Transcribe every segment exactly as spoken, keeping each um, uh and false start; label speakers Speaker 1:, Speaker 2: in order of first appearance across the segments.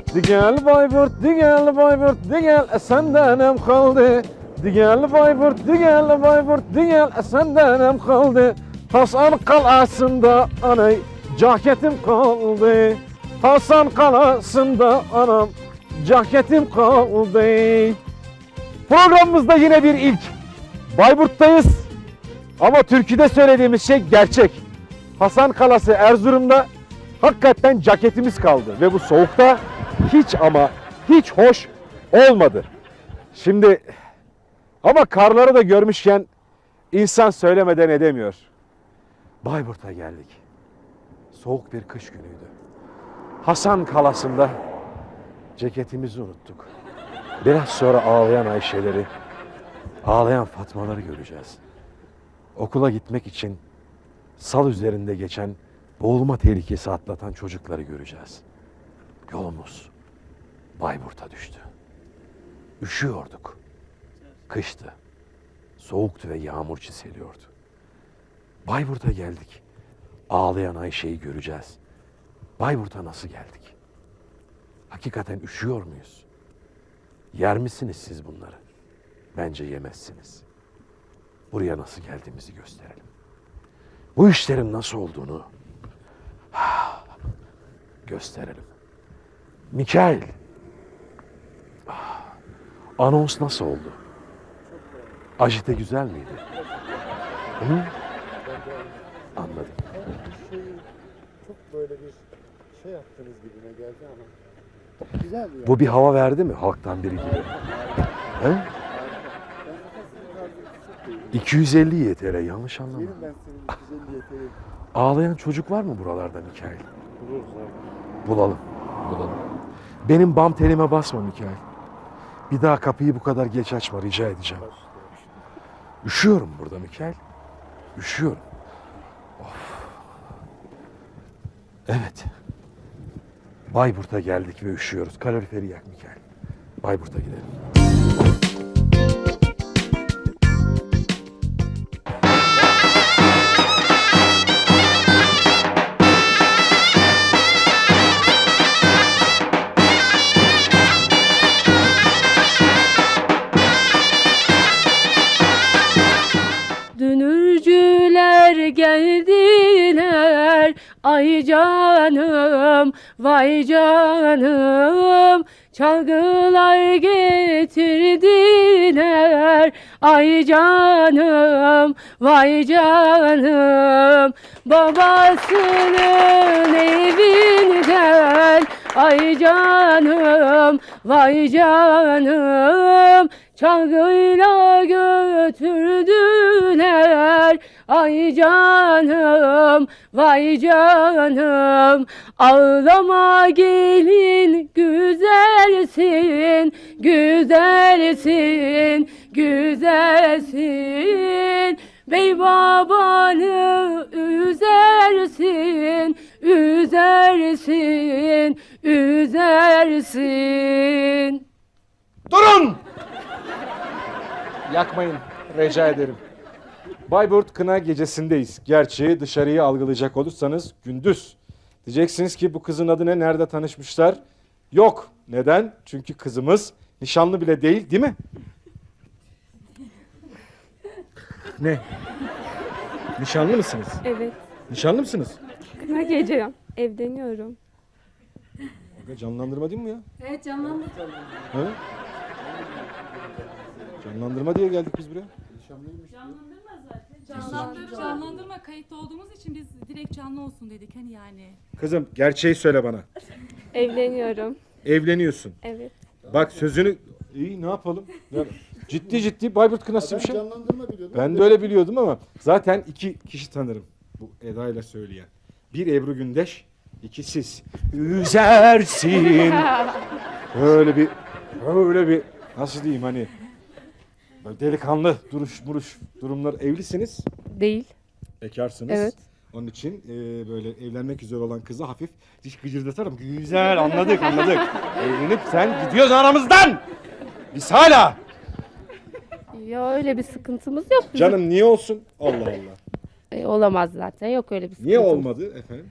Speaker 1: Di gel Bayburt, di gel Bayburt, di gel e senden em kaldı. Di gel Bayburt, di gel Bayburt, di gel e senden em kaldı. Hasan kalasında anay caketim kaldı. Hasan kalasında anam caketim kaldı. Programımızda yine bir ilk. Bayburt'tayız ama türküde söylediğimiz şey gerçek. Hasan Kalası Erzurum'da hakikaten ceketimiz kaldı ve bu soğukta hiç ama hiç hoş olmadı. Şimdi ama karları da görmüşken insan söylemeden edemiyor. Bayburt'a geldik. Soğuk bir kış günüydü. Hasan Kalası'nda ceketimizi unuttuk. Biraz sonra ağlayan Ayşeleri, ağlayan Fatmaları göreceğiz. Okula gitmek için sal üzerinde geçen boğulma tehlikesi atlatan çocukları göreceğiz. Yolumuz Bayburt'a düştü. Üşüyorduk. Kıştı. Soğuktu ve yağmur çiseliyordu. Bayburt'a geldik. Ağlayan Ayşe'yi göreceğiz. Bayburt'a nasıl geldik? Hakikaten üşüyor muyuz? Yer misiniz siz bunları? Bence yemezsiniz. Buraya nasıl geldiğimizi gösterelim. Bu işlerin nasıl olduğunu gösterelim. Mikail, anons nasıl oldu? Ajite güzel miydi? Hı? Anladım.
Speaker 2: Çok böyle bir şey yaptığınız gibime geldi ama güzel yani.
Speaker 1: Bu bir hava verdi mi halktan biri gibi? He? iki yüz elli Y T L yanlış anlama.
Speaker 2: Yerim ben senin iki yüz elli Y T L.
Speaker 1: Ağlayan çocuk var mı buralarda Mikail?
Speaker 2: Buluruz abi.
Speaker 1: Bulalım. Bulalım. Benim bam telime basma Mikail. Bir daha kapıyı bu kadar geç açma rica edeceğim. Üşüyorum burada Mikail. Üşüyorum. Of. Evet. Bayburt'a geldik ve üşüyoruz. Kaloriferi yak Mikail. Bayburt'a gidelim.
Speaker 3: Dünürcüler geldiler, ay canım, vay canım. Çalgılar getirdiler, ay canım, vay canım. Babasının evinden, ay canım, vay canım. Çalgıyla götürdüler, ay canım, vay canım. Ağlama gelin, güzelsin, güzelsin, güzelsin. Bey babanı üzersin, üzersin, üzersin.
Speaker 1: Durun! Yakmayın, rica ederim. Bayburt Kına Gecesi'ndeyiz. Gerçi dışarıyı algılayacak olursanız gündüz. Diyeceksiniz ki bu kızın adı ne, nerede tanışmışlar? Yok. Neden? Çünkü kızımız nişanlı bile değil, değil mi? Ne? Nişanlı mısınız?
Speaker 3: Evet.
Speaker 1: Nişanlı mısınız?
Speaker 3: Kına gece evleniyorum.
Speaker 1: Aga canlandırma değil mi ya?
Speaker 3: Evet, canlandı.
Speaker 1: Ha? Canlandırma diye geldik biz buraya.
Speaker 4: Canlandırma zaten. Canlandırma. Canlandırma kayıtta olduğumuz için biz direkt canlı olsun dedik hani yani.
Speaker 1: Kızım gerçeği söyle bana.
Speaker 3: Evleniyorum.
Speaker 1: Evleniyorsun.
Speaker 3: Evet.
Speaker 1: Bak sözünü... İyi ne yapalım? Ya, ciddi ciddi Bayburt Kınası bir
Speaker 2: Ben
Speaker 1: şey.
Speaker 2: canlandırma biliyordum.
Speaker 1: Ben de öyle biliyordum ama zaten iki kişi tanırım bu Eda ile söyleyen. Bir Ebru Gündeş, iki siz. Üzersin. Öyle bir, öyle bir nasıl diyeyim hani böyle delikanlı duruş muruş durumlar. Evlisiniz,
Speaker 3: Değil.
Speaker 1: bekarsınız.
Speaker 3: Evet.
Speaker 1: Onun için e, böyle evlenmek üzere olan kızı hafif diş gıcırdatarım. Güzel anladık anladık. Evlenip sen gidiyorsun aramızdan. Biz hala.
Speaker 3: Ya öyle bir sıkıntımız yok bizim.
Speaker 1: Canım niye olsun? Allah Allah.
Speaker 3: E, olamaz zaten. Yok öyle bir sıkıntımız.
Speaker 1: Niye olmadı efendim? Yani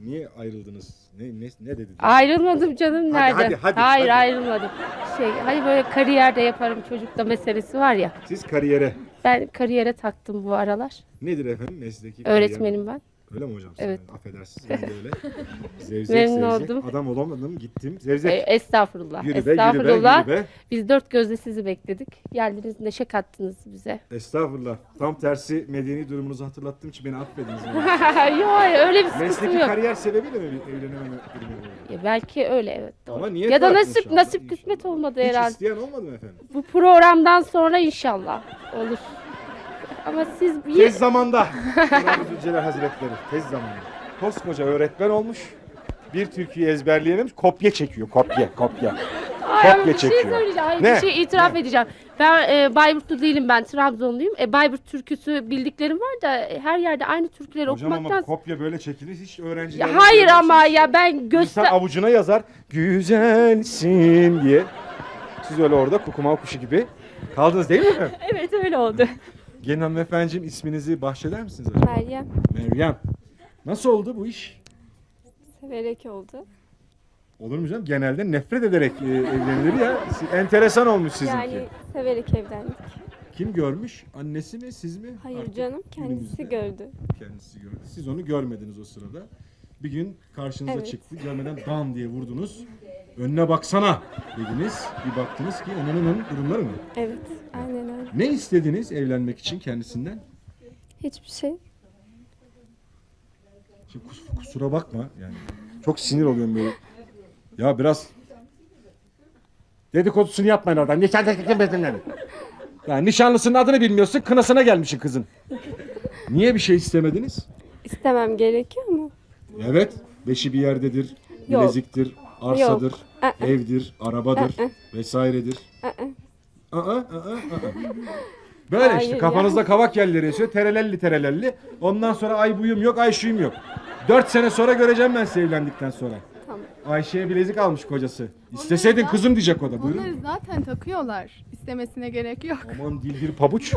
Speaker 1: Niye ayrıldınız? Ne ne ne dedi?
Speaker 3: Ayrılmadım canım,
Speaker 1: Hadi,
Speaker 3: nerede?
Speaker 1: hadi, hadi,
Speaker 3: Hayır
Speaker 1: hadi.
Speaker 3: ayrılmadım. Şey, hani böyle kariyerde yaparım çocukta meselesi var ya.
Speaker 1: Siz kariyere.
Speaker 3: Ben kariyere taktım bu aralar.
Speaker 1: Nedir efendim mesleki kariyer?
Speaker 3: Öğretmenim ben.
Speaker 1: Öyle mi hocam?
Speaker 3: Evet.
Speaker 1: Sen? Affedersiniz ben de öyle. Zevzek
Speaker 3: Memnun
Speaker 1: zevzek.
Speaker 3: oldum.
Speaker 1: Adam olamadım gittim.
Speaker 3: E,
Speaker 1: Zevzek.
Speaker 3: estağfurullah.
Speaker 1: Yürü be, yürü be,
Speaker 3: estağfurullah.
Speaker 1: yürü be.
Speaker 3: Biz dört gözle sizi bekledik. Geldiniz, neşe kattınız bize.
Speaker 1: Estağfurullah. Tam tersi medeni durumunuzu hatırlattığım için beni affediniz.
Speaker 3: Yok hayır, öyle bir sıkıntım
Speaker 1: Mesleki
Speaker 3: yok.
Speaker 1: kariyer sebebiyle mi bir evlenememe durumu oldu?
Speaker 3: Ya belki öyle, evet, doğru.
Speaker 1: Ama niyet
Speaker 3: Ya da
Speaker 1: var
Speaker 3: nasip
Speaker 1: inşallah,
Speaker 3: nasip
Speaker 1: inşallah.
Speaker 3: kısmet olmadı
Speaker 1: Hiç
Speaker 3: herhalde.
Speaker 1: isteyen olmadı mı efendim?
Speaker 3: Bu programdan sonra inşallah olur. Ama siz bir
Speaker 1: Tez zamanda. Cenab-ı Zülcelal Hazretleri. Tez zamanda. Koskoca öğretmen olmuş. Bir türküyü ezberleyememiş. Kopya çekiyor. Kopya. Kopya.
Speaker 3: Ay,
Speaker 1: kopya
Speaker 3: bir şey
Speaker 1: çekiyor.
Speaker 3: söyleyeceğim. Ay,
Speaker 1: Ne?
Speaker 3: bir şey itiraf edeceğim. Ben e, Bayburtlu değilim, ben Trabzonluyum. E, Bayburt türküsü bildiklerim var da e, her yerde aynı türküleri
Speaker 1: Hocam ama
Speaker 3: okumaktan...
Speaker 1: kopya böyle çekilir. Hiç öğrenciler...
Speaker 3: Ya hayır ama ya ben göster...
Speaker 1: İnsan avucuna yazar. Güzelsin diye. Siz öyle orada kukumav kuşu gibi kaldınız değil mi efendim?
Speaker 3: Evet öyle oldu.
Speaker 1: Gelin hanımefendiciğim isminizi bahşeder misiniz acaba?
Speaker 3: Meryem
Speaker 1: Meryem. Nasıl oldu bu iş?
Speaker 3: severek oldu.
Speaker 1: Olur mu canım? Genelde nefret ederek e, evlenilir ya. Si- Enteresan olmuş sizinki.
Speaker 3: Yani severek evlendik.
Speaker 1: Kim görmüş? Annesi mi, siz mi?
Speaker 3: Hayır
Speaker 1: Artık
Speaker 3: canım, kendisi
Speaker 1: günümüzde
Speaker 3: gördü.
Speaker 1: Kendisi gördü. Siz onu görmediniz o sırada. Bir gün karşınıza
Speaker 3: Evet.
Speaker 1: çıktı. Görmeden bam diye vurdunuz. Önüne baksana dediniz. Bir baktınız ki onun durumları mı?
Speaker 3: Evet, aynen öyle.
Speaker 1: Ne istediniz evlenmek için kendisinden?
Speaker 3: Hiçbir şey.
Speaker 1: Şimdi kus- kusura bakma yani. Çok sinir oluyorum böyle. Ya biraz dedikodusunu yapmayın oradan. Nişan tekniklemedin. Ya nişanlısının adını bilmiyorsun, kınasına gelmişsin kızın. Niye bir şey istemediniz?
Speaker 3: İstemem gerekiyor mu?
Speaker 1: Evet, beşi bir yerdedir,
Speaker 3: Yok.
Speaker 1: bileziktir, arsadır,
Speaker 3: Aa.
Speaker 1: evdir, arabadır
Speaker 3: Aa.
Speaker 1: vesairedir.
Speaker 3: Aa,
Speaker 1: Aa, aa, aa, aa. Böyle
Speaker 3: Hayır
Speaker 1: işte
Speaker 3: ya.
Speaker 1: kafanızda kavak yerleri esiyor, terelelli terelelli. Ondan sonra ay buyum yok, ay şuyum yok. Dört sene sonra göreceğim ben sizi evlendikten sonra.
Speaker 3: Tamam.
Speaker 1: Ayşe'ye bilezik almış kocası. İsteseydin kızım diyecek o da. Buyurun.
Speaker 5: Onları zaten takıyorlar. İstemesine gerek yok.
Speaker 1: Aman dildir pabuç.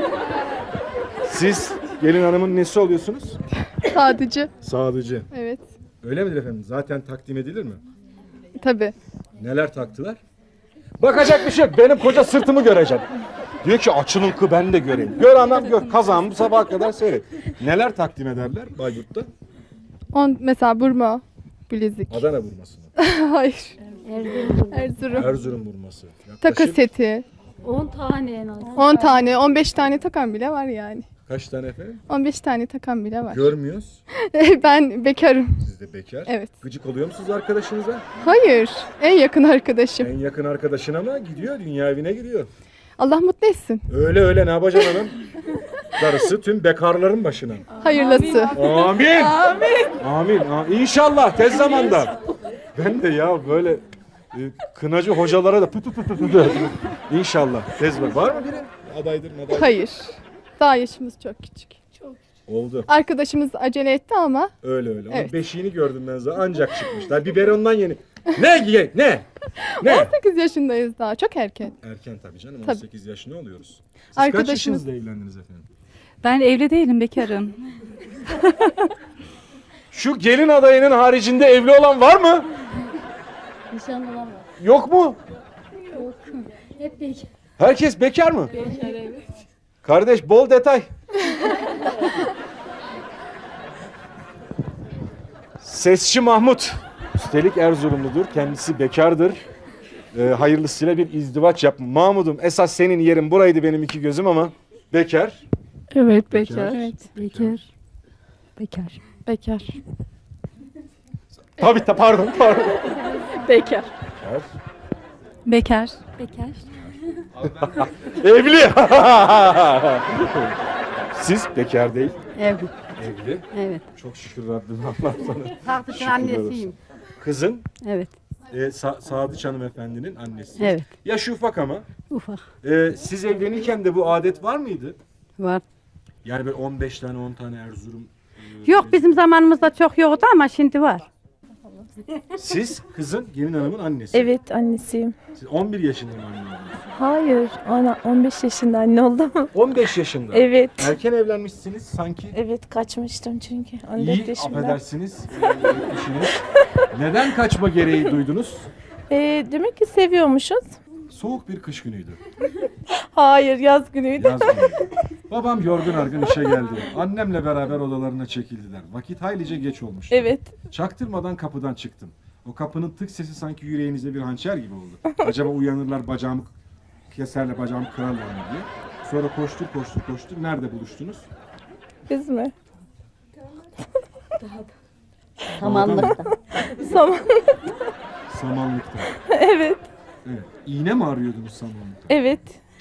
Speaker 1: Siz gelin hanımın nesi oluyorsunuz?
Speaker 5: Sadıcı.
Speaker 1: Sadıcı.
Speaker 5: Evet.
Speaker 1: Öyle midir efendim? Zaten takdim edilir mi?
Speaker 5: Tabii.
Speaker 1: Neler taktılar? Bakacak bir şey yok. Benim koca sırtımı görecek. Diyor ki açılın kı ben de göreyim. Gör anam gör. Kazağımı sabaha kadar seyret. Neler takdim ederler Bayburt'ta?
Speaker 5: On mesela burma, bilezik.
Speaker 1: Adana vurması mı?
Speaker 5: Hayır. Erzurum.
Speaker 1: Erzurum vurması.
Speaker 5: Takı
Speaker 1: Yaklaşık
Speaker 5: seti.
Speaker 4: on tane en az.
Speaker 5: on tane, on beş tane takan bile var yani.
Speaker 1: kaç tane efendim?
Speaker 5: on beş tane takan bile var.
Speaker 1: Görmüyoruz.
Speaker 5: Ben bekarım.
Speaker 1: Siz de bekar.
Speaker 5: Evet.
Speaker 1: Gıcık oluyor musunuz arkadaşınıza?
Speaker 5: Hayır. En yakın arkadaşım.
Speaker 1: En yakın arkadaşın ama gidiyor. Dünya evine gidiyor.
Speaker 5: Allah mutlu etsin.
Speaker 1: Öyle öyle ne yapacaksın hanım? Darısı tüm bekarların başına.
Speaker 5: Hayırlısı.
Speaker 1: Amin. Amin. Amin. A- İnşallah tez zamanda. Ben de ya böyle e, kınacı hocalara da pı pı pı pı pı. İnşallah tez var. Var mı biri? Adaydır adaydır.
Speaker 5: Hayır. Daha yaşımız çok küçük.
Speaker 1: Oldu.
Speaker 5: Arkadaşımız acele etti ama
Speaker 1: Öyle öyle. Ama
Speaker 5: Evet.
Speaker 1: beşiğini gördüm ben zaten. Ancak çıkmış. Daha biberondan yeni. Ne? Ye- Ne? Ne?
Speaker 5: on sekiz yaşındayız daha. Çok erken.
Speaker 1: Erken tabii canım. on
Speaker 5: Tabii.
Speaker 1: sekiz yaşında oluyoruz. Siz kaç
Speaker 5: Arkadaşımız-
Speaker 1: yaşınızda evlendiniz efendim?
Speaker 4: Ben evli değilim, bekarım.
Speaker 1: Şu gelin adayının haricinde evli olan var mı?
Speaker 6: Nişanlı olan var.
Speaker 1: Yok mu?
Speaker 6: Hep bekar.
Speaker 1: Herkes bekar mı? Bekar evet. Kardeş bol detay. Sesçi Mahmut. Üstelik Erzurumludur. Kendisi bekardır. Ee, hayırlısıyla bir izdivaç yapma. Mahmud'um esas senin yerin buraydı benim iki gözüm ama bekar.
Speaker 3: Evet
Speaker 1: Bekar.
Speaker 6: Evet, bekar. Bekar.
Speaker 3: Bekar.
Speaker 1: Tabii ta pardon pardon.
Speaker 3: Bekar.
Speaker 4: Bekar.
Speaker 6: Bekar.
Speaker 1: Evli. Siz bekar değil.
Speaker 6: Evli.
Speaker 1: Evli.
Speaker 6: Evet.
Speaker 1: Çok şükür Rabbim Allah sana.
Speaker 6: Tahtışın
Speaker 1: Şükürler olsun.
Speaker 6: annesiyim.
Speaker 1: Kızın
Speaker 6: Evet.
Speaker 1: e, Sa- Sadıç hanımefendinin annesi.
Speaker 6: Evet.
Speaker 1: Yaşı ufak ama.
Speaker 6: Ufak.
Speaker 1: E, siz evlenirken de bu adet var mıydı?
Speaker 6: Var.
Speaker 1: Yani böyle on beş tane on tane Erzurum.
Speaker 6: Yok bizim zamanımızda çok yoktu ama şimdi var.
Speaker 1: Siz kızın gelin hanımın annesi.
Speaker 3: Evet, annesiyim.
Speaker 1: Siz on bir yaşında mı anne oldunuz?
Speaker 7: Hayır, ona on beş yaşında anne oldum.
Speaker 1: on beş yaşında.
Speaker 7: Evet.
Speaker 1: Erken evlenmişsiniz sanki.
Speaker 7: Evet, kaçmıştım çünkü on
Speaker 1: İyi,
Speaker 7: dört yaşında.
Speaker 1: affedersiniz. e, eşiniz. Neden kaçma gereği duydunuz?
Speaker 7: Ee, demek ki seviyormuşuz.
Speaker 1: Soğuk bir kış günüydü.
Speaker 7: Hayır, yaz günüydü.
Speaker 1: Yaz günüydü. Babam yorgun argın işe geldi. Annemle beraber odalarına çekildiler. Vakit haylice geç olmuştu.
Speaker 7: Evet.
Speaker 1: Çaktırmadan kapıdan çıktım. O kapının tık sesi sanki yüreğinize bir hançer gibi oldu. Acaba uyanırlar bacağımı keserle bacağımı kırarlar mı diye. Sonra koştur koştur koştur. Nerede buluştunuz?
Speaker 7: Biz mi?
Speaker 1: Samanlıkta.
Speaker 7: Saman.
Speaker 1: Samanlıkta.
Speaker 7: Evet.
Speaker 1: Evet. İğne mi arıyordunuz samanlıkta?
Speaker 7: Evet.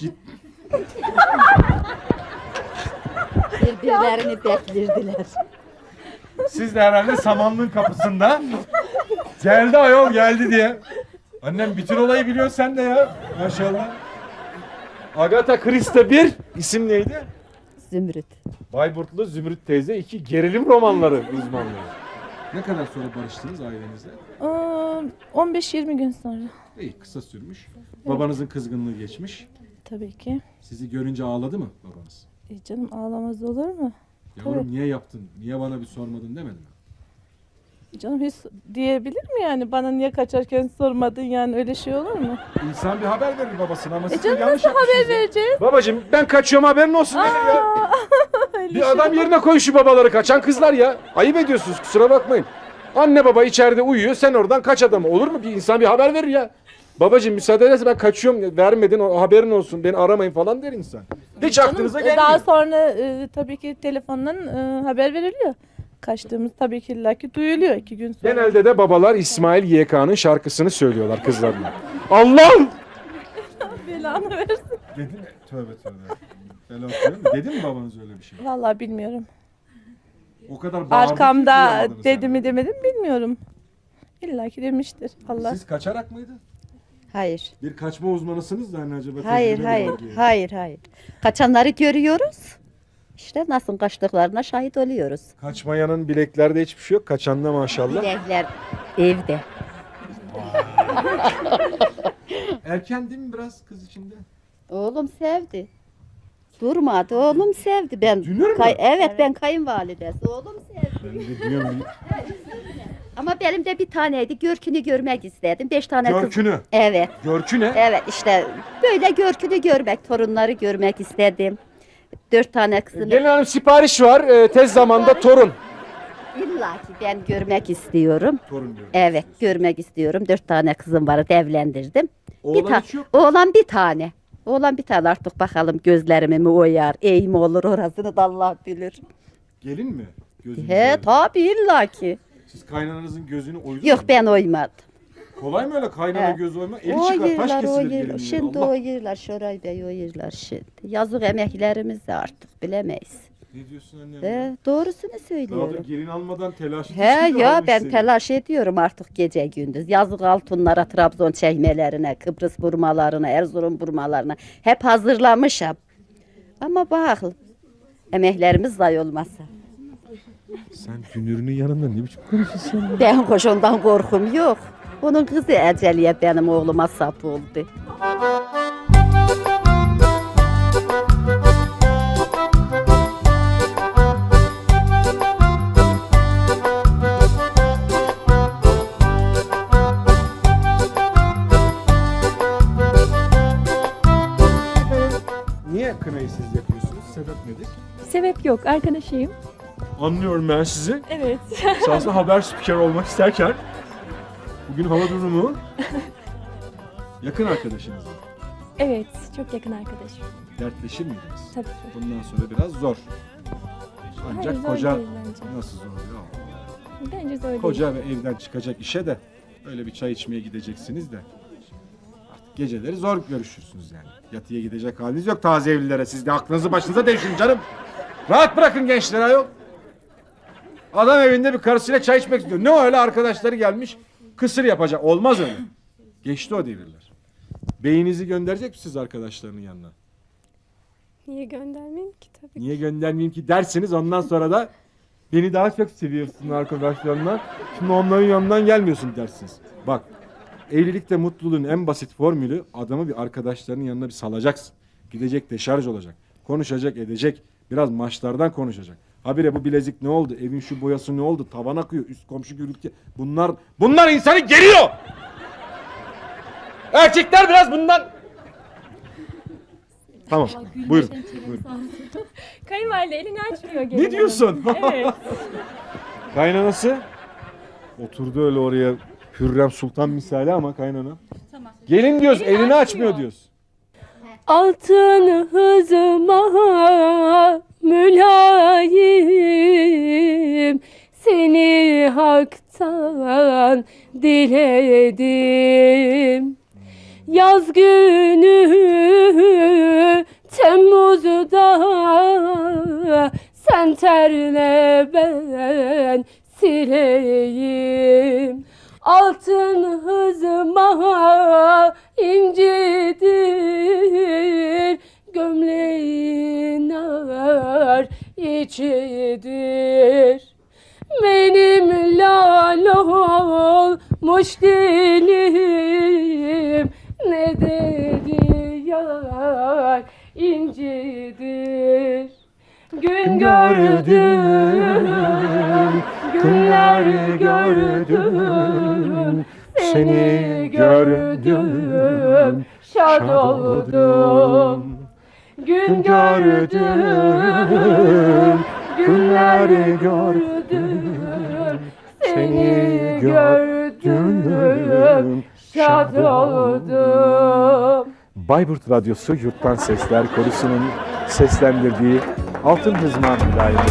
Speaker 8: Birbirlerini beklerdiler.
Speaker 1: Siz de herhalde samanlığın kapısında geldi ayol geldi diye. Annem bütün olayı biliyor sen de ya. Maşallah. Agatha Christie bir isim neydi?
Speaker 8: Zümrüt.
Speaker 1: Bayburtlu Zümrüt teyze iki gerilim romanları uzmanlığı. Ne kadar sonra barıştınız ailenizle?
Speaker 7: Aa, on beş yirmi gün sonra.
Speaker 1: İyi kısa sürmüş. Babanızın kızgınlığı geçmiş.
Speaker 7: Tabii ki.
Speaker 1: Sizi görünce ağladı mı babanız?
Speaker 7: E canım ağlamaz olur mu?
Speaker 1: Yavrum
Speaker 7: Tabii.
Speaker 1: niye yaptın? Niye bana bir sormadın demedi mi?
Speaker 7: Canım hiç diyebilir mi yani? Bana niye kaçarken sormadın yani öyle şey olur mu?
Speaker 1: İnsan bir haber verir babasına ama
Speaker 7: E
Speaker 1: siz de
Speaker 7: canım
Speaker 1: yanlış
Speaker 7: nasıl haber
Speaker 1: yapmışsınız ya.
Speaker 7: vereceğiz?
Speaker 1: Babacım ben kaçıyorum haberin olsun benim ya.
Speaker 7: Aa, öyle
Speaker 1: Bir
Speaker 7: şey
Speaker 1: adam
Speaker 7: olur.
Speaker 1: yerine koy şu babaları kaçan kızlar ya. Ayıp ediyorsunuz kusura bakmayın. Anne baba içeride uyuyor sen oradan kaç adamı. Olur mu? Bir insan bir haber verir ya. Babacım müsaade ederse ben kaçıyorum vermedin o haberin olsun beni aramayın falan der insan. Hiç
Speaker 7: Canım,
Speaker 1: aklınıza
Speaker 7: e,
Speaker 1: gelmiyor.
Speaker 7: Daha sonra e, tabii ki telefondan e, haber veriliyor. Kaçtığımız tabii ki illaki duyuluyor iki gün sonra.
Speaker 1: Genelde de babalar İsmail Y K'nın şarkısını söylüyorlar kızlarına. Allah!
Speaker 7: Belanı versin.
Speaker 1: Dedi mi? Tövbe tövbe. Ben hatırlıyorum. Dedi mi babanız öyle bir şey?
Speaker 7: Vallahi bilmiyorum.
Speaker 1: O kadar bağırdı ki
Speaker 7: Arkamda
Speaker 1: duyamadınız
Speaker 7: dedi
Speaker 1: sen.
Speaker 7: mi demedim bilmiyorum. İlla ki demiştir. Allah.
Speaker 1: Siz kaçarak mıydı?
Speaker 8: Hayır.
Speaker 1: Bir kaçma uzmanısınız da hani acaba
Speaker 8: Hayır,
Speaker 1: tecrübeli
Speaker 8: hayır,
Speaker 1: var diye.
Speaker 8: hayır, hayır. Kaçanları görüyoruz. İşte nasıl kaçtıklarına şahit oluyoruz.
Speaker 1: Kaçmayanın bileklerde hiçbir şey yok. Kaçanda maşallah.
Speaker 8: Bilekler evde.
Speaker 1: Erken değil mi biraz kız içinde?
Speaker 8: Oğlum sevdi. Durmadı. Oğlum sevdi. Ben
Speaker 1: Dünür mü?
Speaker 8: kay- evet, ben kayınvalidesi. Oğlum sevdi.
Speaker 1: Ben de diyorum
Speaker 8: Ama benim de bir taneydi. Görkünü görmek istedim. Beş tane kız.
Speaker 1: Görkünü.
Speaker 8: Evet.
Speaker 1: Görkü ne?
Speaker 8: Evet işte böyle görkünü görmek, torunları görmek istedim. Dört tane kızını
Speaker 1: Gelin hanım sipariş var. Ee, tez zamanda torun.
Speaker 8: illa ki ben görmek istiyorum.
Speaker 1: Torun diyorum.
Speaker 8: Evet, görmek istiyorum. Dört tane kızım var, evlendirdim.
Speaker 1: Oğlan
Speaker 8: bir ta-
Speaker 1: hiç yok.
Speaker 8: Oğlan bir tane. Oğlan bir tane artık bakalım gözlerimi mi oyar, iyi mi olur orasını da Allah bilir.
Speaker 1: Gelin mi? Gözünü
Speaker 8: He
Speaker 1: görüyor.
Speaker 8: tabii illa ki.
Speaker 1: Siz kaynananızın gözünü oydunuz
Speaker 8: Yok
Speaker 1: mu?
Speaker 8: ben oymadım.
Speaker 1: Kolay mı öyle kaynana
Speaker 8: He.
Speaker 1: göz oyma? Eli çıkar taş
Speaker 8: Oyurlar,
Speaker 1: kesilir
Speaker 8: oyurlar.
Speaker 1: gelinin.
Speaker 8: Şimdi
Speaker 1: Allah.
Speaker 8: oyurlar, Şoray Bey oyurlar şimdi. Yazık emeklerimiz de artık bilemeyiz.
Speaker 1: Ne diyorsun annem?
Speaker 8: He, doğrusunu
Speaker 1: Daha da
Speaker 8: söylüyorum.
Speaker 1: gelin almadan telaş
Speaker 8: He ya ben telaş ediyorum artık gece gündüz. Yazık altunlara, Trabzon çekmelerine, Kıbrıs burmalarına, Erzurum burmalarına hep hazırlamışım. Ama bak emeklerimiz zayi olmasa.
Speaker 1: Sen dünürünün yanında ne biçim konuşuyorsun?
Speaker 8: Ben koşundan korkum yok. Onun kızı Eceliye benim oğluma sap oldu.
Speaker 1: Niye kınayı siz yapıyorsunuz? Sebep nedir?
Speaker 9: Sebep yok, arkadaşıyım.
Speaker 1: Anlıyorum ben sizi.
Speaker 9: Evet.
Speaker 1: Şahsen haber spiker olmak isterken bugün hava durumu yakın arkadaşınız.
Speaker 9: Evet, çok yakın arkadaşım.
Speaker 1: Dertleşir miydiniz?
Speaker 9: Tabii ki.
Speaker 1: Bundan sonra biraz zor. Ancak
Speaker 9: Hayır, zor
Speaker 1: koca
Speaker 9: değil bence.
Speaker 1: nasıl zor ya?
Speaker 9: Bence zor değil.
Speaker 1: Koca ve evden çıkacak işe de öyle bir çay içmeye gideceksiniz de artık geceleri zor görüşürsünüz yani. Yatıya gidecek haliniz yok taze evlilere. Siz de aklınızı başınıza devşirin canım. Rahat bırakın gençleri ayol. Adam evinde bir karısıyla çay içmek istiyor. Ne öyle arkadaşları gelmiş kısır yapacak. Olmaz öyle. Geçti o devirler. Beyinizi gönderecek misiniz arkadaşlarının yanına?
Speaker 9: Niye göndermeyeyim ki tabii.
Speaker 1: Niye göndermeyeyim ki derseniz ondan sonra da beni daha çok seviyorsun arkadaşlarına. Şimdi onların yanından gelmiyorsun dersiniz. Bak Evlilikte mutluluğun en basit formülü adamı bir arkadaşlarının yanına bir salacaksın. Gidecek deşarj olacak. Konuşacak edecek. Biraz maçlardan konuşacak. Habire bu bilezik ne oldu? Evin şu boyası ne oldu? Tavan akıyor. Üst komşu gürültü. Bunlar bunlar insanı geriyor. Erkekler biraz bundan. Tamam. Buyurun. Buyurun.
Speaker 9: Kayınvalide elini açmıyor. gelin
Speaker 1: Ne
Speaker 9: hanım.
Speaker 1: diyorsun?
Speaker 9: Evet.
Speaker 1: Kaynanası oturdu öyle oraya Hürrem Sultan misali ama kaynana. Gelin diyoruz, elini açmıyor,
Speaker 9: açmıyor
Speaker 1: diyoruz.
Speaker 9: Altın hızıma mülayim, seni haktan diledim. Yaz günü Temmuz'da sen terle ben sileyim. Altın hızıma incidir, gömleğin nar içidir. Benim lal olmuş dilim, ne dedi yar incidir. Gün gördüm, günler gördüm, seni gördüm, şad oldum. Gün gördüm, günler gördüm, seni gördüm, şad oldum.
Speaker 1: Bayburt Radyosu Yurttan Sesler Korusu'nun seslendirdiği Altın Hızman Mülayimi.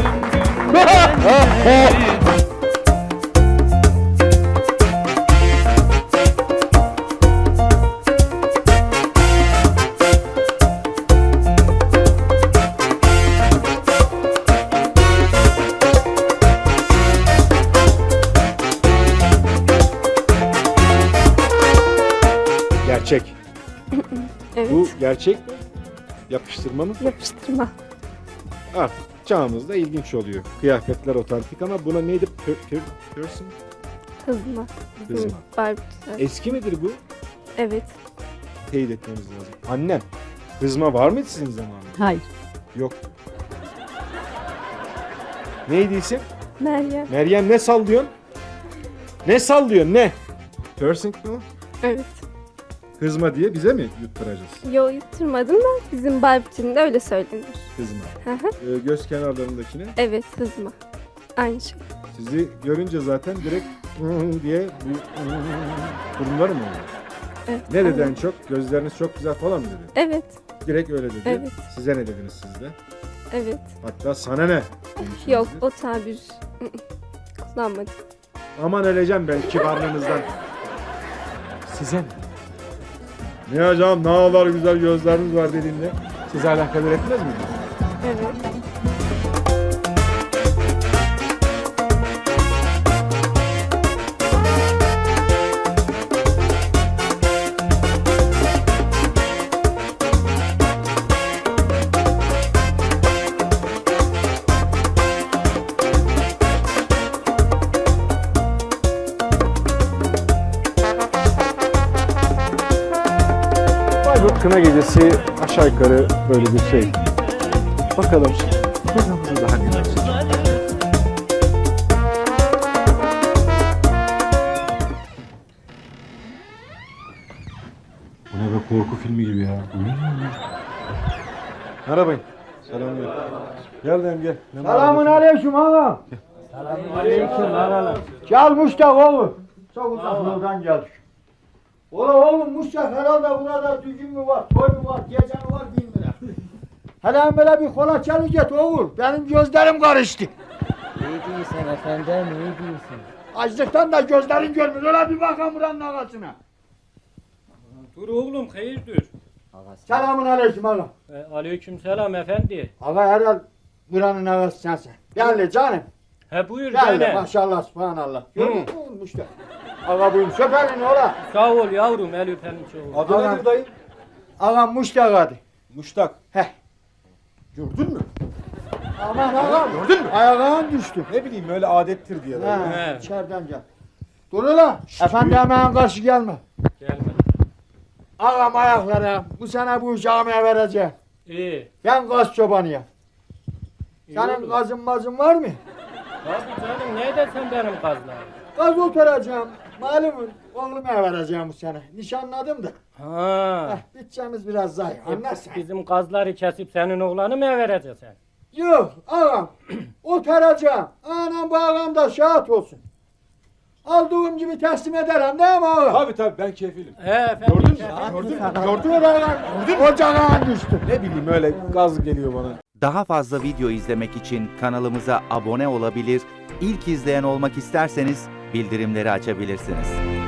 Speaker 1: Gerçek.
Speaker 9: Evet.
Speaker 1: Bu gerçek mi? Yapıştırma mı?
Speaker 9: Yapıştırma.
Speaker 1: Artık çağımızda ilginç oluyor. Kıyafetler otantik ama buna neydi? Pür, pür, piercing?
Speaker 9: Hızma.
Speaker 1: Hızma.
Speaker 9: Barbie.
Speaker 1: Eski midir bu?
Speaker 9: Evet.
Speaker 1: Teyit etmemiz lazım. Annem, hızma var mıydı sizin zamanınızda?
Speaker 6: Hayır.
Speaker 1: Yok. Neydi isim?
Speaker 9: Meryem.
Speaker 1: Meryem ne sallıyorsun? Ne sallıyorsun ne? Piercing mi o?
Speaker 9: Evet.
Speaker 1: Hızma diye bize mi yutturacağız?
Speaker 9: Yo, yutturmadım da bizim Barbie'nin de öyle söylenir.
Speaker 1: Hızma.
Speaker 9: Hı hı.
Speaker 1: Ee, göz kenarlarındakine.
Speaker 9: Evet, hızma. Aynı şey.
Speaker 1: Sizi görünce zaten direkt diye bu durumlar mı oluyor?
Speaker 9: Evet.
Speaker 1: Ne dedi en
Speaker 9: aynen.
Speaker 1: çok? Gözleriniz çok güzel falan mı dedi?
Speaker 9: Evet.
Speaker 1: Direkt öyle dedi.
Speaker 9: Evet.
Speaker 1: Size ne dediniz siz de?
Speaker 9: Evet.
Speaker 1: Hatta sana ne? demişsiniz
Speaker 9: Yok,
Speaker 1: de.
Speaker 9: o tabir ı-ı, kullanmadım.
Speaker 1: Aman öleceğim ben kibarlığınızdan. Size ne? Ne hocam ne kadar güzel gözleriniz var dediğinde size alakadar etmez mi?
Speaker 9: Evet.
Speaker 1: Bayburt Kına Gecesi aşağı yukarı böyle bir şey. Bakalım programımızı daha neler olacak. Bu ne be, korku filmi gibi ya. Merhaba. Selamünaleyküm. Gel dayım gel.
Speaker 2: Selamun aleyküm ağam. Selamun aleyküm ağam. Gel Muştak oğlum. Çok uzak yoldan geldik. Ola oğlum Muştak herhalde burada düğün mü var, toy mu var, gece mi var bilmiyorum. Hele böyle bir kola çalacak oğul. Benim gözlerim karıştı.
Speaker 10: İyi değilsin efendim, iyi değilsin.
Speaker 2: Açlıktan da gözlerim görmüyor. Öyle bir bakalım buranın ağasına.
Speaker 10: Dur oğlum, hayırdır?
Speaker 2: Selamun aleyküm ağam.
Speaker 10: E, aleyküm selam efendi.
Speaker 2: Ağa herhal buranın ağası sensin. Gel canım.
Speaker 10: He buyur
Speaker 2: Gel
Speaker 10: gene.
Speaker 2: maşallah subhanallah. Görüyor musun Muştak? Ağa buyum söperin ola.
Speaker 10: Sağ ol yavrum, el öperim çoğu.
Speaker 1: Adı nedir dayım?
Speaker 2: Ağam Muştak adı.
Speaker 1: Muştak.
Speaker 2: Heh.
Speaker 1: Gördün mü?
Speaker 2: Aman ağam.
Speaker 1: Gördün mü?
Speaker 2: Ayağın düştü.
Speaker 1: Ne bileyim öyle adettir diye.
Speaker 2: Ha,
Speaker 10: He.
Speaker 2: içeriden gel. Dur ulan. Efendi hemen karşı gelme. Ağam ayaklara bu sene bu camiye vereceğim.
Speaker 10: İyi.
Speaker 2: Ben gaz çobanıyım.
Speaker 10: iyi
Speaker 2: Senin
Speaker 10: oldu.
Speaker 2: gazın mazın var mı?
Speaker 10: Tabii canım ne dersen benim kazlarım.
Speaker 2: Gaz oturacağım. Malumun oğluma vereceğim bu sene. Nişanladım da.
Speaker 10: Ha.
Speaker 2: Heh, bütçemiz biraz zayıf. Anlarsan.
Speaker 10: Bizim kazları kesip senin oğlanı mı vereceksin?
Speaker 2: Yok ağam. Oturacağım. Anam bu ağam da şahat olsun. Aldığım gibi teslim ederim değil mi ağam?
Speaker 1: Tabii tabii ben kefilim.
Speaker 10: He efendim.
Speaker 1: Gördün mü?
Speaker 10: efendim.
Speaker 1: Gördün mü?
Speaker 2: Gördün mü ağam? Ocağına düştü.
Speaker 1: Ne bileyim öyle gaz geliyor bana.
Speaker 11: Daha fazla video izlemek için kanalımıza abone olabilir, ilk izleyen olmak isterseniz bildirimleri açabilirsiniz.